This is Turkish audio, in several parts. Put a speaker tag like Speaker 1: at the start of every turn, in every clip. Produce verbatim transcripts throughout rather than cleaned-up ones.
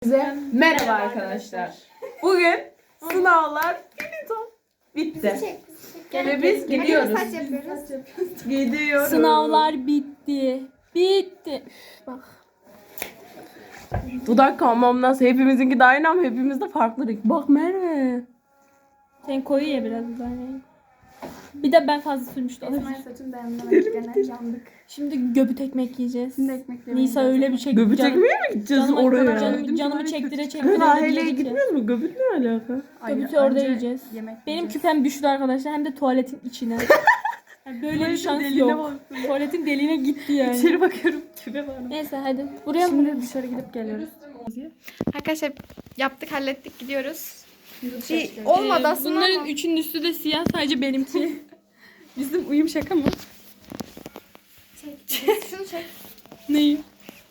Speaker 1: Hepinize merhaba arkadaşlar. Bugün sınavlar bitti. Ve biz gidiyoruz. Gidiyoruz.
Speaker 2: Sınavlar bitti. Bitti. Bak.
Speaker 1: Dudak kalmam nasıl? Hepimizinki de aynı ama hepimiz de farklı renk. Bak Merve.
Speaker 2: Sen koyu ye biraz yani. Bir de ben fazla sürmüştüm.
Speaker 3: Esma'ya saçını beğenmedik gene yandık.
Speaker 2: Şimdi göbüt ekmek yiyeceğiz.
Speaker 3: Şimdi ekmek yemeği
Speaker 2: Nisa öyle bir şey.
Speaker 1: Göbüt
Speaker 2: canım-
Speaker 1: ekmeğe mi gideceğiz
Speaker 2: canımı,
Speaker 1: oraya?
Speaker 2: Canımı, canımı çektire çektire.
Speaker 1: Rahile'ye
Speaker 2: yedik ki.
Speaker 1: gitmiyoruz mu? Göbüt ne alaka?
Speaker 2: Göbütü
Speaker 3: Hayır,
Speaker 2: orada
Speaker 3: önce
Speaker 2: yiyeceğiz.
Speaker 3: yemek
Speaker 2: Benim
Speaker 3: yiyeceğiz.
Speaker 2: küpem düştü arkadaşlar. Hem de tuvaletin içine. Yani böyle bir
Speaker 1: Tuvaletin
Speaker 2: şans
Speaker 1: deliğine
Speaker 2: yok. Tuvaletin deliğine gitti yani.
Speaker 1: İçeri bakıyorum tübe var.
Speaker 2: Neyse hadi. Buraya mı?
Speaker 3: Şimdi dışarı gidip geliyoruz. Arkadaşlar yaptık, hallettik, gidiyoruz. Bir olmadı aslında
Speaker 2: Bunların
Speaker 3: ama.
Speaker 2: üçünün üstü de siyah. Sadece benimki. Bizim uyum şaka mı?
Speaker 3: Şunu çek.
Speaker 2: Neyi?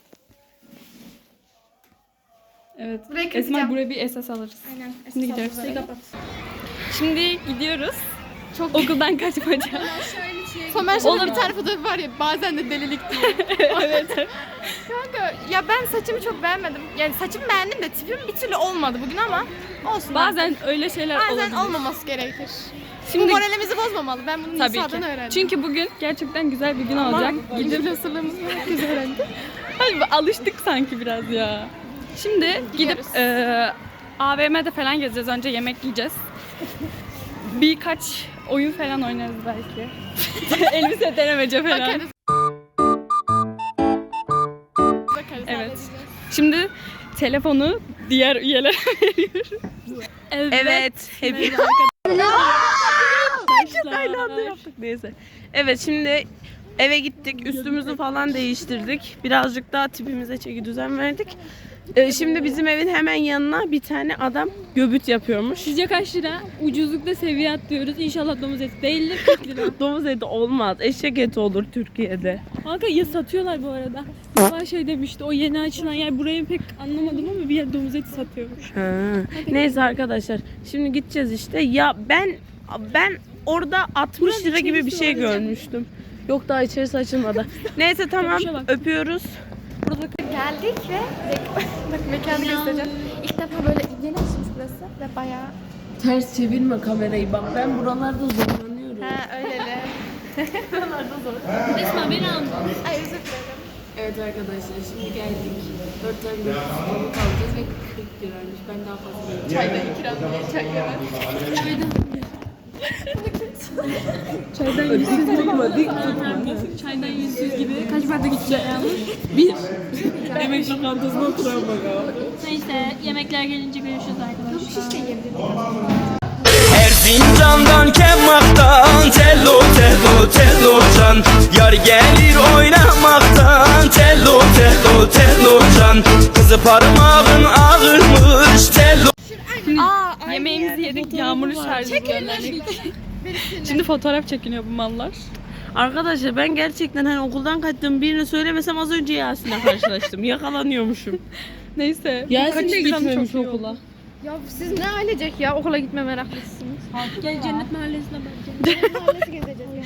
Speaker 2: Evet.
Speaker 3: Burayı
Speaker 2: Esma
Speaker 3: kapatacağım.
Speaker 2: buraya bir esas alırız.
Speaker 3: Aynen.
Speaker 2: Şimdi gidiyoruz. Şimdi gidiyoruz. Çok okuldan kaçmaca.
Speaker 3: Somer şöyle bir tane fotoğrafı var ya, bazen de delilik diyor.
Speaker 2: Evet.
Speaker 3: Kanka ya ben saçımı çok beğenmedim. Yani saçımı beğendim de tipim bir türlü olmadı bugün ama olsun.
Speaker 2: Bazen öyle şeyler
Speaker 3: Bazen
Speaker 2: olabilir.
Speaker 3: olmaması gerekir.
Speaker 2: Şimdi
Speaker 3: Bu moralimizi bozmamalı. Ben bunu
Speaker 2: tabii
Speaker 3: Nisa'dan
Speaker 2: ki.
Speaker 3: öğrendim.
Speaker 2: Çünkü bugün gerçekten güzel bir gün olacak.
Speaker 3: Gidip nasırlığımızı herkes öğrendi.
Speaker 2: Hayır, alıştık sanki biraz ya. Şimdi gidip
Speaker 3: Gidiyoruz.
Speaker 2: e, A V M'de falan gezeceğiz. Önce yemek yiyeceğiz. Birkaç oyun falan oynarız belki. Elbise denemece falan.
Speaker 3: Bakarız. Bakarız.
Speaker 2: Evet.
Speaker 3: halledeceğiz.
Speaker 2: Şimdi telefonu diğer üyelere veriyorum. Evet.
Speaker 1: Evet. Hep
Speaker 2: Arkadaşlar.
Speaker 1: aynı anda yaptık neyse. Evet şimdi eve gittik. Üstümüzü falan değiştirdik. Birazcık daha tipimize çeki düzen verdik. Ee, şimdi bizim evin hemen yanına bir tane adam göbüt yapıyormuş.
Speaker 2: Sizce kaç lira? Ucuzlukta seviye atlıyoruz. İnşallah domuz eti değildir. kırk lira.
Speaker 1: Domuz eti olmaz. Eşek eti olur Türkiye'de.
Speaker 2: Kanka ya satıyorlar bu arada. Sabah şey demişti, o yeni açılan yer, burayı pek anlamadım ama bir yer domuz eti satıyormuş.
Speaker 1: Ha. Neyse arkadaşlar. Şimdi gideceğiz işte. Ya ben ben orada altmış
Speaker 2: Buranın
Speaker 1: lira gibi bir
Speaker 2: içerisi
Speaker 1: şey
Speaker 2: var ya.
Speaker 1: görmüştüm. Yok daha içerisi açılmadı. Neyse tamam.
Speaker 2: Köpüşe bak.
Speaker 1: Öpüyoruz.
Speaker 3: Geldik ve bak mekanı göstereceğim. İlk defa böyle yeni açılmış burası ve bayağı
Speaker 1: Ters çevirme kamerayı bak. Ben buralarda zorlanıyorum.
Speaker 3: ha öyleli.
Speaker 2: Esma beni alma.
Speaker 3: Ay özür dilerim.
Speaker 1: Evet arkadaşlar şimdi geldik. Dört tane göbüt sonu kalacağız ve kırk liraymış. Ben daha fazla veriyorum.
Speaker 3: Çaydan ikram diye çay yemek.
Speaker 2: Çaydan
Speaker 1: Dik tutma, dik tutma.
Speaker 2: Çaydan yüzsüz gibi. Kaç bardak içecek yalnız?
Speaker 1: Bir. Yemek lokantasına oturan bak abi.
Speaker 2: Neyse yemekler gelince görüşürüz arkadaşlar.
Speaker 3: Şiş de yiyebilirim.
Speaker 4: Erzincan'dan Kemmak'tan Tello tello tello can Yar gelir oynamaktan Tello tello tello can Kızı parmağın ağırmış Tello.
Speaker 3: Aa ay.
Speaker 2: Yemeğimizi yedik, yağmurlu şarjı gönderdik. Şimdi fotoğraf çekiniyor bu mallar.
Speaker 1: Arkadaşlar ben gerçekten hani okuldan kaçtığım birini söylemesem az önce Yasin'le karşılaştım. Yakalanıyormuşum.
Speaker 2: Neyse.
Speaker 1: Yasin de
Speaker 2: kaçırsam
Speaker 1: gitmemiş
Speaker 2: çok iyi
Speaker 1: okula.
Speaker 2: olur.
Speaker 3: Ya siz ne ailecek ya okula gitme meraklısınız.
Speaker 2: Gel cennet mahallesine bakacağım.
Speaker 3: Mahallesi gezeceğiz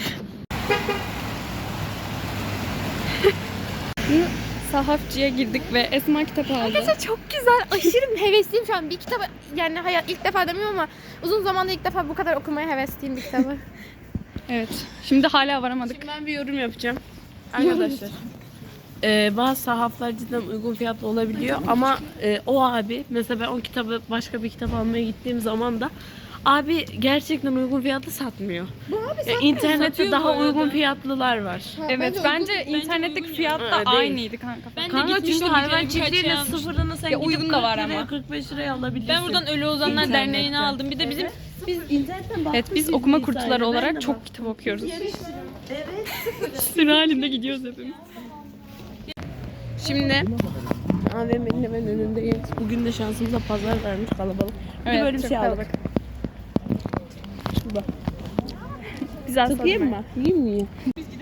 Speaker 3: ya.
Speaker 2: Sahafçıya girdik ve Esma kitap aldı.
Speaker 3: Arkadaşlar çok güzel. Aşırı hevesliyim şu an. Bir kitabı yani hayat ilk defa demiyorum ama uzun zamanda ilk defa bu kadar okumaya hevesliyim bir kitabı.
Speaker 2: Evet. Şimdi hala varamadık.
Speaker 1: Şimdi ben bir yorum yapacağım. Arkadaşlar. Ee, bazı sahaflar cidden uygun fiyatlı olabiliyor ama e, o abi mesela ben o kitabı başka bir kitap almaya gittiğim zaman da abi gerçekten uygun fiyatlı satmıyor.
Speaker 3: Bu abi
Speaker 1: Ya, internette
Speaker 2: satıyor bu
Speaker 1: daha
Speaker 2: arada.
Speaker 1: uygun fiyatlılar var.
Speaker 2: Evet bence, internetteki fiyat da
Speaker 1: Ha, değil.
Speaker 2: aynıydı kanka. Ben
Speaker 1: Kanka çünkü hayvan çiftliğinin sıfırını sen
Speaker 2: Ya,
Speaker 1: gidip
Speaker 2: uygun da var
Speaker 1: kırk liraya,
Speaker 2: ama.
Speaker 1: kırk beş liraya alabilirsin.
Speaker 2: Ben buradan Ölü Ozanlar
Speaker 1: İnternetten.
Speaker 2: Derneği'ne aldım. Bir de bizim
Speaker 1: Biz internetten
Speaker 2: Evet biz okuma kurtçuları olarak çok kitap okuyoruz. Evet. Sürü halinde gidiyoruz hepimiz.
Speaker 1: Şimdi A V M'nin hemen önündeyiz. Bugün de şansımıza pazar vermiş kalabalık. Bir de
Speaker 2: Evet,
Speaker 1: böyle bir
Speaker 2: çok
Speaker 1: şey aldık.
Speaker 2: kalabalık.
Speaker 1: Şurada.
Speaker 2: Güzel
Speaker 1: Sıkayım mı? Yiyeyim mi? Yiyeyim.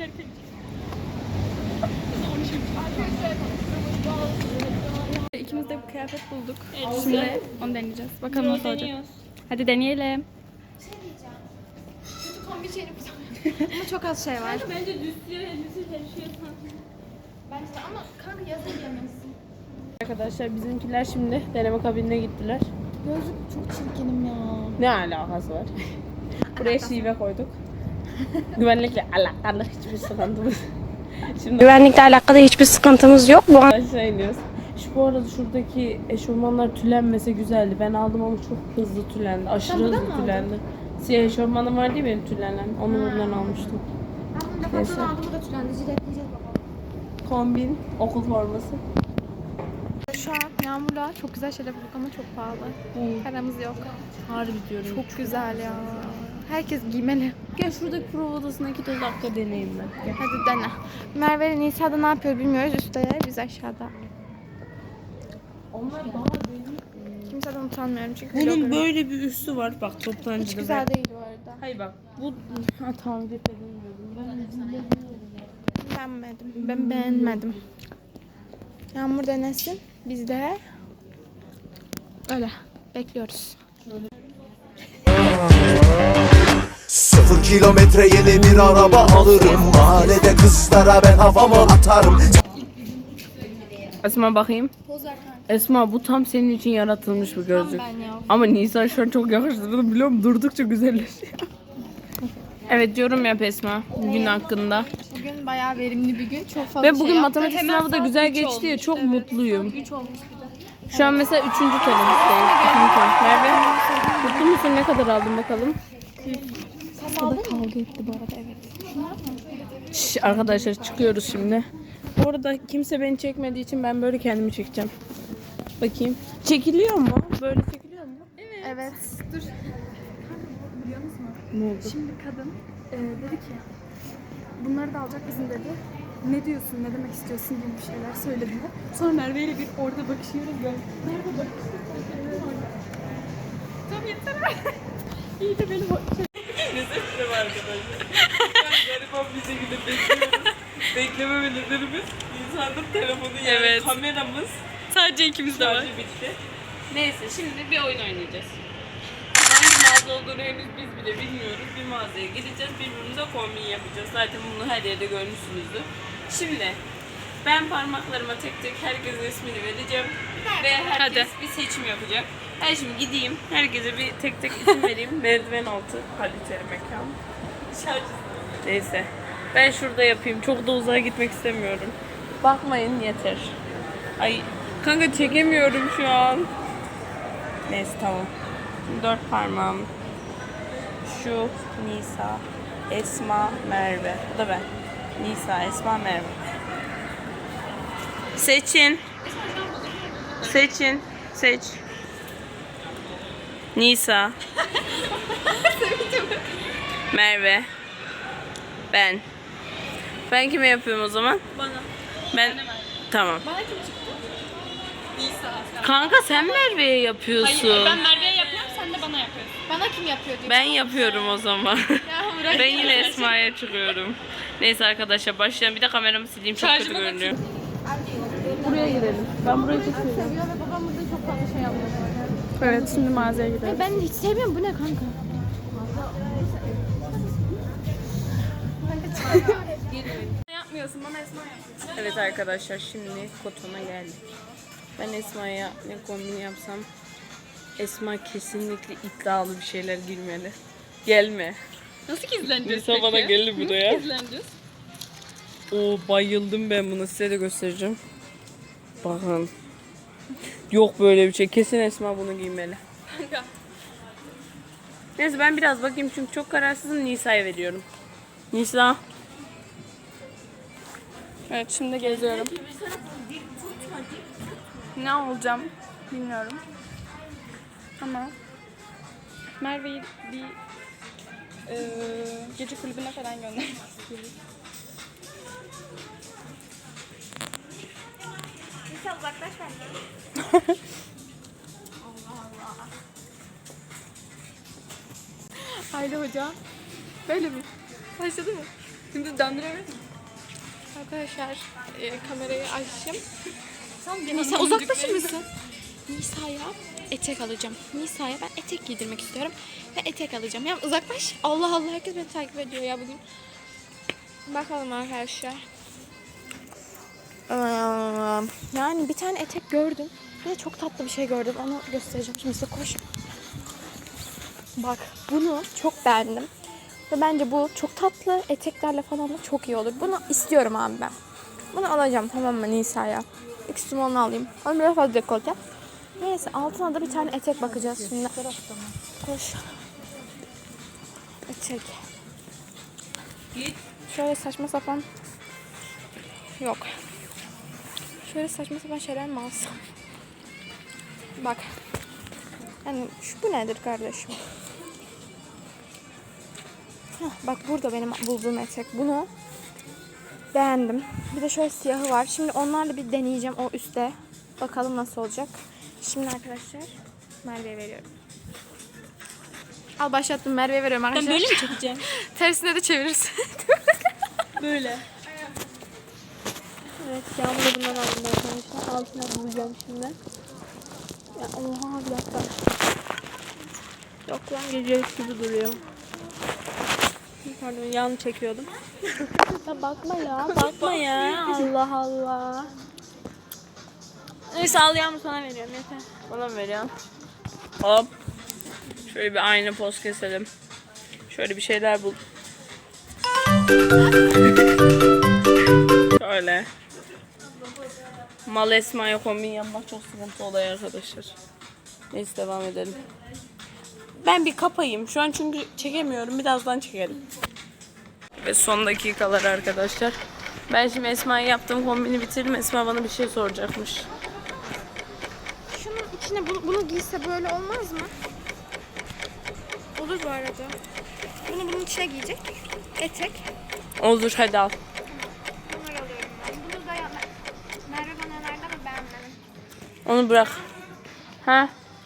Speaker 2: İkimiz de bir kıyafet bulduk. Şimdi onu deneyeceğiz. Bakalım nasıl olacak. Hadi deneyelim.
Speaker 3: kötü kombi şeyini ama çok az şey var.
Speaker 2: Bence düz elbise her şey
Speaker 3: Bence de ama kanka yazın giyemezsin.
Speaker 1: Arkadaşlar bizimkiler şimdi deneme kabinine gittiler.
Speaker 3: Gözlük çok çirkinim ya.
Speaker 1: Ne alakası var? Buraya şive koyduk. Güvenlikle alakalı hiçbir sıkıntımız. Şimdi
Speaker 5: Güvenlikle alakalı hiçbir sıkıntımız yok. Bu an
Speaker 1: aşağı iniyoruz. Şu bu arada şuradaki eşofmanlar tülenmese güzeldi. Ben aldım ama çok hızlı tülendi. Aşırı
Speaker 3: Sen buradan
Speaker 1: hızlı
Speaker 3: mı
Speaker 1: tülendi. Siyah eşofmanım var değil benim tülenen. Onu buradan almıştım.
Speaker 3: Ben bunu
Speaker 1: Neyse.
Speaker 3: defansını aldım, bu da tülendi. Jiletleyeceğiz bakalım.
Speaker 1: Kombin, okul forması.
Speaker 3: Şu an Yağmur'la çok güzel şeyler bulduk ama çok pahalı. Paramız yok.
Speaker 1: Harbi diyorum.
Speaker 3: Çok güzel ya. Herkes giymeli.
Speaker 1: Gel şuradaki prova odasına iki dakika deneyeyim ben. Gel.
Speaker 3: Hadi dene. Merve ile Nisa'da ne yapıyor bilmiyoruz. Üstte biz aşağıda.
Speaker 1: Onlar daha benim.
Speaker 3: Kimseden utanmıyorum çünkü
Speaker 1: Bunun
Speaker 3: vloggerım.
Speaker 1: böyle bir üstü var. Bak toptancıda.
Speaker 3: Hiç güzel değil bu arada.
Speaker 1: Hayır bak. Bu ha tamam edilmiyordum. Ben
Speaker 3: Beğenmedim. Ben beğenmedim. Yağmur denesin. Biz de öyle bekliyoruz.
Speaker 6: Sıfır kilometre yeni bir araba alırım. Mahallede kızlara ben havamı atarım.
Speaker 1: Esma bakayım. Esma bu tam senin için yaratılmış bir gözlük.
Speaker 3: Ben ya.
Speaker 1: Ama Nisan şu an çok yakıştırdı biliyor musun? Durdukça güzelleşiyor. Evet yorum yap Esma gün hakkında.
Speaker 3: Bugün bayağı verimli bir gün. Çok fazla
Speaker 1: Ve
Speaker 3: şey
Speaker 1: bugün
Speaker 3: yaptık.
Speaker 1: matematik
Speaker 3: Hemen
Speaker 1: sınavı da
Speaker 3: saat
Speaker 1: güzel
Speaker 3: üç
Speaker 1: geçti ya
Speaker 3: olmuş.
Speaker 1: çok
Speaker 3: Evet,
Speaker 1: mutluyum.
Speaker 3: saat üç olmuş bir de.
Speaker 1: Şu an mesela üçüncü tenimizdeyim. Üçüncü tenim. Merve mutlu musun? Ne kadar aldın bakalım?
Speaker 3: Burada kavga etti bu arada, evet.
Speaker 1: Şş, arkadaşlar çıkıyoruz şimdi. Bu arada kimse beni çekmediği için ben böyle kendimi çekeceğim. Bakayım. Çekiliyor mu? Böyle çekiliyor mu?
Speaker 3: Evet. Dur.
Speaker 1: Ne oldu?
Speaker 7: Şimdi kadın e, dedi ki bunları da alacak bizim dedi. Ne diyorsun, ne demek istiyorsun gibi bir şeyler söylediler. Sonra Merve ile bir orada bakışıyoruz böyle. Nerede bakışıyoruz? Tamam yeter. İyi de beni bak.
Speaker 1: Nefesim arkadaşlar. Ben gariban bir şekilde bekliyoruz. Bekleme nedenimiz insanın telefonu yani
Speaker 2: Evet.
Speaker 1: kameramız
Speaker 2: Sadece ikimiz de var.
Speaker 1: şarjı bitti. Neyse şimdi bir oyun oynayacağız. Hangi mağaza olduğunu henüz biz bile bilmiyoruz. Bir mağazaya gideceğiz, birbirimize kombin yapacağız. Zaten bunu her yerde görmüşsünüzdür. Şimdi ben parmaklarıma tek tek herkesin ismini vereceğim. Ve herkes bir seçim yapacak. Ben şimdi gideyim, herkese bir tek tek isim vereyim. Merdiven altı kaliteli mekan. Neyse. Ben şurada yapayım. Çok da uzağa gitmek istemiyorum. Bakmayın yeter. Ay kanka çekemiyorum şu an. Neyse tamam. Şimdi dört parmağım. Şu Nisa, Esma, Merve. Bu da ben. Nisa, Esma, Merve. Seçin. Seçin. Seç. Nisa. Merve. Ben. Ben kime yapıyorum o zaman? Bana. Ben. Tamam.
Speaker 3: Bana kim çıktı?
Speaker 1: Kanka sen Merve'ye yapıyorsun.
Speaker 2: Ben Merve'ye yapıyorum, sen de bana yapıyorsun.
Speaker 3: Bana kim yapıyor diyor.
Speaker 1: Ben yapıyorum o zaman.
Speaker 3: Ya bırak.
Speaker 1: Ben yine Esma'ya çıkıyorum. Neyse arkadaşlar başlayalım. Bir de kameramı sileyim çok kötü görünüyor. Buraya girelim. Ben burayı çok seviyorum.
Speaker 3: Seviyor ve babam burada çok fazla şey yapıyor.
Speaker 7: Evet, şimdi mağazaya gidelim.
Speaker 3: Ben hiç sevmiyorum. Bu ne kanka?
Speaker 7: Yapmıyorsun, bana Esma yapıyorsun.
Speaker 1: Evet arkadaşlar şimdi Koton'a geldik. Ben Esma'ya ne kombin yapsam Esma kesinlikle iddialı bir şeyler girmeli. Gelme.
Speaker 2: Nasıl gizleneceğiz
Speaker 1: Nisa bana geldi buraya.
Speaker 2: Gizleneceğiz.
Speaker 1: Oo bayıldım ben buna size de göstereceğim. Bakın. Yok böyle bir şey. Kesin Esma bunu giymeli. Neyse ben biraz bakayım çünkü çok kararsızım. Nisa'ya veriyorum. Nisa.
Speaker 7: Evet, şimdi geziyorum. Ne olacağım bilmiyorum. Ama Merve'yi bir e, gece kulübüne falan göndermek istiyorum.
Speaker 3: Nisa uzaklaş bence.
Speaker 7: Aile hoca. Böyle mi? Başladı mı? Şimdi döndüremedim.
Speaker 3: Arkadaşlar e, kamerayı açayım.
Speaker 7: Sen
Speaker 3: Nisa uzaklaşır mısın? Nisa'ya etek alacağım. Nisa'ya ben etek giydirmek istiyorum. Ve etek alacağım. Ya uzaklaş. Allah Allah herkes beni takip ediyor ya bugün. Bakalım arkadaşlar. Yani bir tane etek gördüm. Bir de çok tatlı bir şey gördüm. Onu göstereceğim. Şimdi size koş. Bak bunu çok beğendim. Ve bence bu çok tatlı. Eteklerle falan da çok iyi olur. Bunu istiyorum abi ben. Bunu alacağım tamam mı Nisa'ya? İkisini onu alayım. Onu biraz fazla dekolte. Neyse altına da bir tane etek bakacağız şimdi. Koş. Etek. Şöyle saçma sapan. Yok. Şöyle saçma sapan şeyler mi alsam? Bak. Yani şu bu nedir kardeşim? Heh, bak burada benim bulduğum etek. Bunu beğendim. Bir de şöyle siyahı var. Şimdi onlarla bir deneyeceğim o üstte. Bakalım nasıl olacak. Şimdi arkadaşlar Merve'ye veriyorum. Al başlattım, Merve'ye veriyorum
Speaker 2: Ben
Speaker 3: arkadaşlar.
Speaker 2: böyle mi çekeceğim?
Speaker 3: Tersine de çevirirsin.
Speaker 2: Böyle.
Speaker 3: Evet, Yağmur'u bundan aldım arkadaşlar. Altına bulacağım şimdi. Ya oha bir dakika.
Speaker 2: Yok lan gecelik gibi duruyor. Pardon yan çekiyordum.
Speaker 3: Ya bakma ya, bakma ya. Allah Allah.
Speaker 2: Neyse al Yağmur sana veriyorum yeter.
Speaker 1: Bana mı veriyorsun? Hop. Şöyle bir aynı poz keselim. Şöyle bir şeyler bul. Şöyle. Mal Esma'ya kombin yapmak çok sıkıntı oluyor arkadaşlar. Neyse devam edelim. Ben bir kapayım. Şu an çünkü çekemiyorum. Birazdan çekelim. Ve son dakikalar arkadaşlar. Ben şimdi Esma'ya yaptığım kombini bitirdim. Esma bana bir şey soracakmış.
Speaker 3: Şunun içine bunu, bunu giyse böyle olmaz mı? Olur bu arada. Bunu bunun içine giyecek. Etek.
Speaker 1: Olur hadi al.
Speaker 3: Bunları alıyorum ben. Bunu da ya- Merve bana önerdi ama beğenmedim.
Speaker 1: Onu bırak. Ha?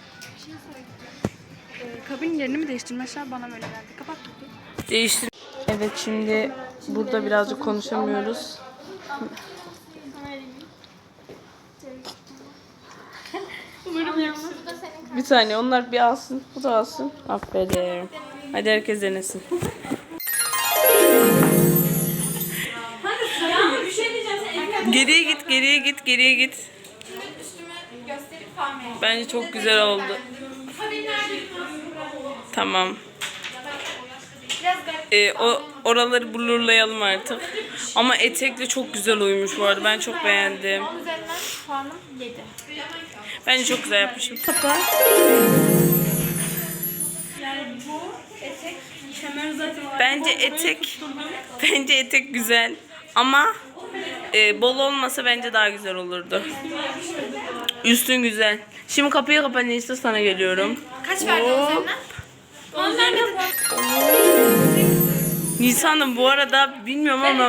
Speaker 7: Kabin yerini mi değiştirmişler bana böyle geldi. Kapat.
Speaker 1: Değiştir. Evet şimdi burada birazcık konuşamıyoruz. Bir saniye onlar bir alsın. Bu da alsın. Aferin. Hadi herkes denesin. Geriye git, geriye git, geriye git. Bence çok güzel oldu. Tamam. Ee, o oraları blurlayalım artık. Ama etekle çok güzel uyumuş bu arada. Ben çok beğendim.
Speaker 3: Üzerinden puanım yedi.
Speaker 1: Bence çok güzel yapmışım. Bence etek bence etek güzel ama e, bol olmasa bence daha güzel olurdu. Üstün güzel. Şimdi kapıyı kapa Nisa sana geliyorum.
Speaker 3: Kaç verdin üzerinden? On vermedin.
Speaker 1: Nisa'nın bu arada bilmiyorum ama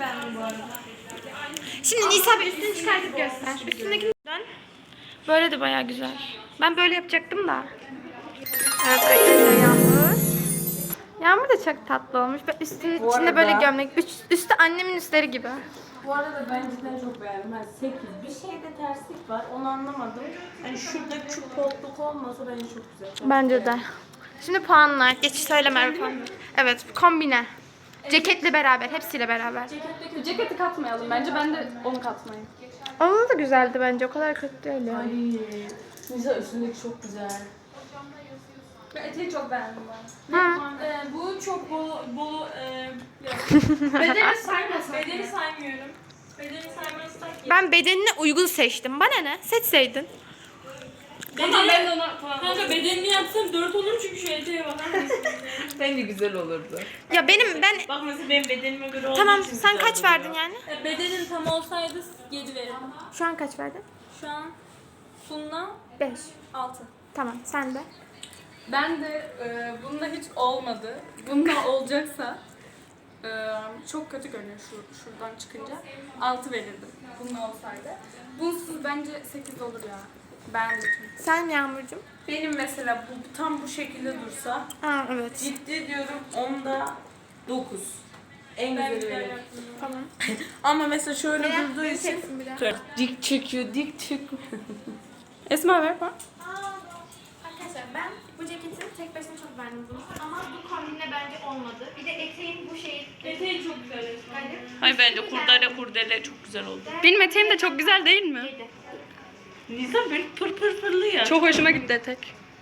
Speaker 3: Şimdi Nisa bir üstünü çıkartıp göster. Üstündekinden böyle de bayağı güzel. Ben böyle yapacaktım da. Evet arkadaşlar Yağmur. Yağmur da çok tatlı olmuş. Ben üstü, içinde
Speaker 1: arada-
Speaker 3: böyle gömlek. Üst, üstü annemin üstleri gibi.
Speaker 1: bu arada ben cidden çok beğendim. Yani sekiz. Bir şeyde terslik var. Onu anlamadım. Hani şurada şu koltuk olmasa bence çok güzel.
Speaker 3: Bence de. Şimdi puanlar. Geç söyle Merve puanlar. Evet kombine. Ceketle beraber. Hepsiyle beraber.
Speaker 7: Ceketteki ceketi katmayalım bence. Ben de onu katmayayım.
Speaker 3: Onun da güzeldi bence. O kadar kötü değil yani.
Speaker 1: Nisa üstündeki çok güzel.
Speaker 7: Ben eteği çok beğendim ben.
Speaker 3: Hı.
Speaker 2: Ee, bu çok bolu, bolu e,
Speaker 7: Bedeni saymasak.
Speaker 2: bedeni saymıyorum. Bedeni saymazsak
Speaker 3: Ben bedenine uygun seçtim. Bana ne? Seçseydin.
Speaker 2: Tamam ben de ona puan Kanka bedenini yapsam dört olur çünkü şu eteğe bakar mısın?
Speaker 1: Bence güzel olurdu.
Speaker 3: Ya benim ben
Speaker 2: Bak mesela benim bedenime göre olduğu
Speaker 3: tamam
Speaker 2: için
Speaker 3: sen
Speaker 2: güzel
Speaker 3: kaç
Speaker 2: duruyor.
Speaker 3: verdin yani?
Speaker 2: E, Bedenin tam olsaydı yedi verirdim.
Speaker 3: Şu an kaç verdin?
Speaker 2: Şu an Sunna
Speaker 3: beş.
Speaker 2: altı.
Speaker 3: Tamam sen de.
Speaker 7: Ben de e, bunda hiç olmadı. Bunda olacaksa e, çok kötü görünüyor şu, şuradan çıkınca. altı verirdim. Bunun olsaydı. Bunsuz bence sekiz olur ya. Beğendim.
Speaker 3: Sen Yağmurcuğum.
Speaker 1: Benim mesela bu tam bu şekilde dursa
Speaker 3: Aa evet.
Speaker 1: ciddi diyorum onda dokuz. En güzeli benim.
Speaker 3: Tamam.
Speaker 1: Ama mesela şöyle durduğu
Speaker 3: beni
Speaker 1: için
Speaker 3: çeksin bir de.
Speaker 1: dik çekiyor, dik çekiyor.
Speaker 7: Esma ver bak.
Speaker 3: Arkadaşlar ben bu ceketi tek başına çok beğendim bunu. Ama bu kombinle bence olmadı. Bir de eteğin bu şeyi.
Speaker 2: Eteği çok güzel.
Speaker 1: Hayır bence kurdele kurdele çok güzel oldu.
Speaker 7: Benim eteğim de çok güzel değil mi?
Speaker 1: Nisa böyle pır pır pırlı ya.
Speaker 7: Çok hoşuma gitti etek.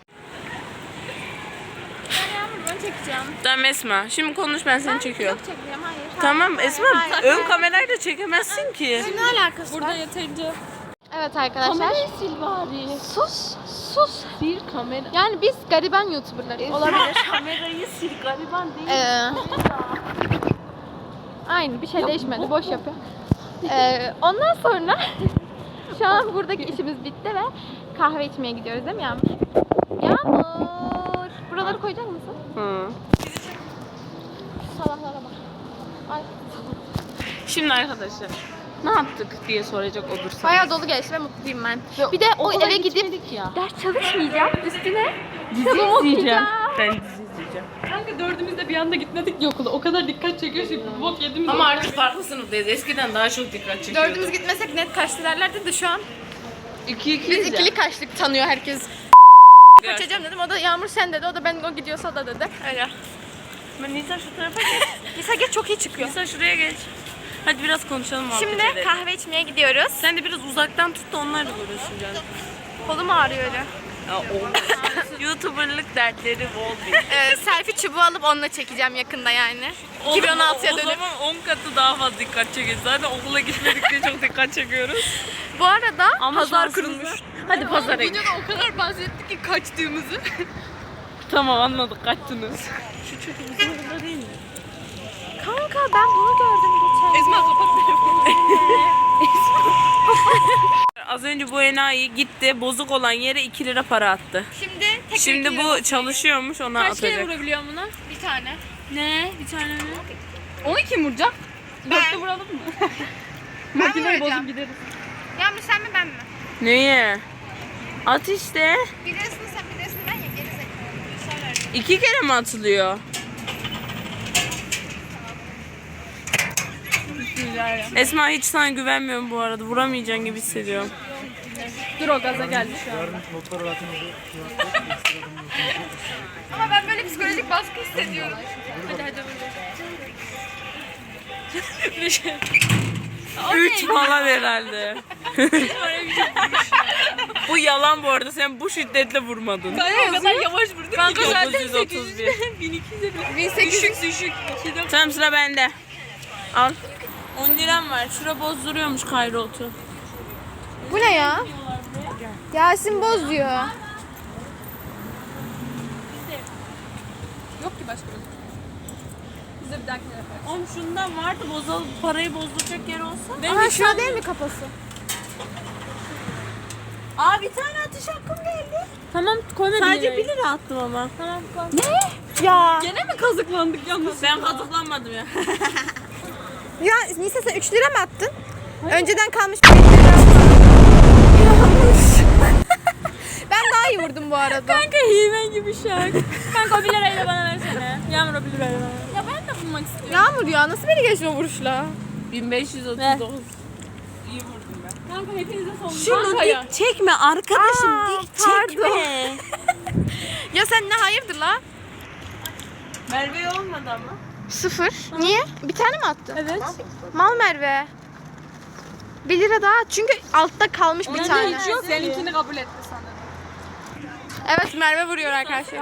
Speaker 3: Ben Yağmur bunu çekeceğim.
Speaker 1: Tamam Esma. Şimdi konuş ben seni çekiyorum.
Speaker 3: Yok çekeceğim hayır.
Speaker 1: Tamam
Speaker 3: Hayır,
Speaker 1: Esma
Speaker 3: hayır,
Speaker 1: ön
Speaker 3: hayır.
Speaker 1: kamerayla çekemezsin ki.
Speaker 3: Ne alakası
Speaker 2: Burada
Speaker 3: var?
Speaker 2: yeterince.
Speaker 3: Evet arkadaşlar.
Speaker 1: Kamerayı sil bari.
Speaker 3: Sus, sus.
Speaker 1: Sil kamera.
Speaker 3: Yani biz gariban YouTuber'larız. Olabilir.
Speaker 1: Kamerayı sil gariban değil.
Speaker 3: Ee, aynı bir şey değişmedi. Boş yapıyor. Ee, ondan sonra şu an buradaki işimiz bitti ve kahve içmeye gidiyoruz değil mi Yağmur? Yağmur. Buraları koyacak mısın?
Speaker 1: Hı.
Speaker 3: Salaklara bak. Ay.
Speaker 1: Şimdi arkadaşlar ne yaptık diye soracak olursanız.
Speaker 3: Bayağı dolu geçti ve mutluyum ben. Bir de o
Speaker 1: Okula
Speaker 3: eve gidip
Speaker 1: gitmedik ya.
Speaker 3: ders çalışmayacağım. Üstüne
Speaker 1: Dizi
Speaker 3: kitabımı
Speaker 1: izleyeceğim.
Speaker 3: okuyacağım.
Speaker 1: Ben dizi izleyeceğim.
Speaker 2: Kanka dördümüz de bir anda gitmedik ya okula. O kadar dikkat çekiyor şimdi. Bok yedim.
Speaker 1: Ama artık farklı sınıftayız. Eskiden daha çok dikkat çekiyordu.
Speaker 3: Dördümüz gitmesek net kaçtı derlerdi de şu an
Speaker 1: İki iki
Speaker 3: biz ikili kaçtık tanıyor herkes.
Speaker 1: Kaçacağım.
Speaker 3: Kaçacağım dedim. O da Yağmur sen dedi. O da ben o gidiyorsa o da dedi. Öyle.
Speaker 1: Ben Nisa şu tarafa geç.
Speaker 3: Nisa geç çok iyi çıkıyor.
Speaker 1: Nisa şuraya geç. Hadi biraz konuşalım muhabbet
Speaker 3: Şimdi
Speaker 1: edelim.
Speaker 3: kahve içmeye gidiyoruz.
Speaker 1: Sen de biraz uzaktan tut da onlarla uğraşın canım.
Speaker 3: Kolum ağrıyor öyle.
Speaker 1: Ya olmaz. YouTuber'lık dertleri bol bir.
Speaker 3: Ee, selfie çubuğu alıp onunla çekeceğim yakında yani. iki bin on altıya
Speaker 1: O
Speaker 3: dönüp.
Speaker 1: zaman on katı daha fazla dikkat çekeceğiz. Zaten okula gitmedikçe çok dikkat çekiyoruz.
Speaker 3: Bu arada
Speaker 1: Ama
Speaker 3: pazar
Speaker 1: şansımıza-
Speaker 3: kurulmuş.
Speaker 1: Hadi pazara gidelim.
Speaker 3: Videoda o kadar bahsettik ki kaçtığımızı.
Speaker 1: Tamam anladık kaçtınız. Şu çocuk bizim burada değil mi?
Speaker 3: Kanka ben bunu gördüm geçen.
Speaker 2: Esma kapat telefonu.
Speaker 1: Az önce bu enayi gitti bozuk olan yere iki lira para attı.
Speaker 3: Şimdi tek
Speaker 1: Şimdi bu çalışıyormuş ona
Speaker 2: Kaç kere
Speaker 1: atacak.
Speaker 2: vurabiliyorum buna?
Speaker 3: bir tane.
Speaker 2: Ne? Bir tane mi? Onu kim vuracak? Dörtte vuralım mı?
Speaker 3: Ben
Speaker 2: Makineyi
Speaker 3: vuracağım.
Speaker 2: bozup gideriz.
Speaker 3: Yağmur sen mi ben mi?
Speaker 1: Neye? At işte.
Speaker 3: Birisini sen birisini ben ya geri zekalı.
Speaker 1: İki kere mi atılıyor? Esma hiç sana güvenmiyorum bu arada. Vuramayacaksın gibi hissediyorum.
Speaker 2: Dur o gaza geldi şu an.
Speaker 3: Ama ben böyle psikolojik baskı hissediyorum.
Speaker 2: Hadi hadi
Speaker 1: Üç falan herhalde. Bu yalan bu arada. Sen bu şiddetle vurmadın.
Speaker 2: o kadar yavaş vurdum ki.
Speaker 1: Kanka dokuz yüz otuz bir.
Speaker 2: bin iki yüz
Speaker 3: bin sekiz yüz.
Speaker 2: Düşük düşük.
Speaker 1: Tamam sıra bende. Al. on liram var. Şura bozduruyormuş Kayrotu.
Speaker 3: Bu ne ya? Yasin Boz diyor.
Speaker 2: Yok ki başka bir şey. Bize bir dahakine yaparız.
Speaker 1: Oğlum şundan vardı bozal parayı bozduracak yer olsa.
Speaker 3: Aha şuna değil mi kafası?
Speaker 1: Aa bir tane atış hakkım geldi.
Speaker 2: Tamam koyma
Speaker 1: Sadece bir lira attım ama.
Speaker 2: Tamam koy.
Speaker 3: Ya.
Speaker 2: Gene mi kazıklandık yalnız?
Speaker 1: Ben kazıklanmadım ya.
Speaker 3: Ya Nisa sen üç lira mı attın? Önceden kalmış bir lira. Ben daha iyi vurdum bu arada.
Speaker 2: Kanka himen gibi şak. Kanka o bir lirayı da bana versene. Yağmur o bir lirayı bana. Ya ben de bulmak istiyorum.
Speaker 3: Yağmur ya nasıl beni geçti o vuruşla?
Speaker 1: bin beş yüz otuz dokuz. İyi vurdum ben.
Speaker 2: Kanka hepinize son.
Speaker 1: Şunu dik çekme arkadaşım
Speaker 3: Aa,
Speaker 1: dik
Speaker 3: pardon.
Speaker 1: çekme.
Speaker 3: Ya sen ne hayırdır la?
Speaker 1: Merve olmadı ama.
Speaker 3: Sıfır. Niye? Bir tane mi attın?
Speaker 2: Evet.
Speaker 3: Mal Merve. Bir lira daha at. Çünkü altta kalmış bir tane.
Speaker 2: Hiç yok. Seninkini kabul etti sanırım.
Speaker 3: Evet Merve vuruyor arkadaşlar.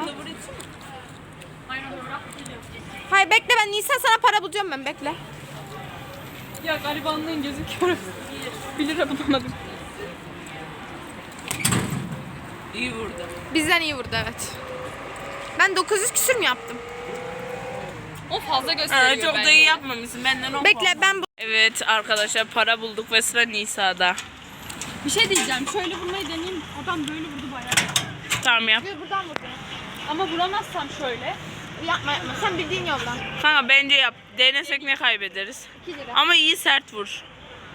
Speaker 3: Hayır bekle ben Nisan sana para bulacağım ben bekle.
Speaker 2: Ya garibanlığın gözüküyor. bir lira bulamadım.
Speaker 1: İyi vurdu.
Speaker 3: Bizden iyi vurdu evet. Ben dokuz yüz küsür mü yaptım?
Speaker 2: O fazla
Speaker 1: Ha,
Speaker 2: gösteriyor
Speaker 1: çok da
Speaker 2: bence.
Speaker 1: iyi yapmamışsın. Benden on
Speaker 3: Bekle
Speaker 1: puan.
Speaker 3: ben bu...
Speaker 1: Evet arkadaşlar para bulduk ve sıra Nisa'da.
Speaker 2: Bir şey diyeceğim. Şöyle vurmayı deneyeyim. Adam böyle vurdu bayağı.
Speaker 1: Tamam yap.
Speaker 3: Buradan vurdum.
Speaker 2: Ama vuramazsam şöyle.
Speaker 3: Yapma yapma sen bildiğin yoldan.
Speaker 1: Kanka bence yap. Denesek ne kaybederiz?
Speaker 3: iki lira.
Speaker 1: Ama iyi sert vur.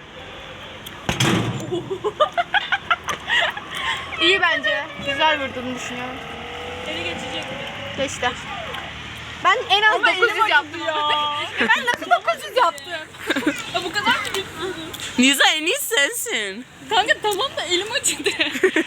Speaker 3: İyi bence. Güzel vurduğunu düşünüyorum.
Speaker 2: Eli geçecek.
Speaker 3: Geçti. Ben en az dokuz yüz yaptım.
Speaker 2: Ya.
Speaker 3: Ben nasıl dokuz yüz yaptım?
Speaker 2: ya bu kadar mı gitti?
Speaker 1: Nisa en iyi sensin.
Speaker 2: Kanka tamam da elim acıdı.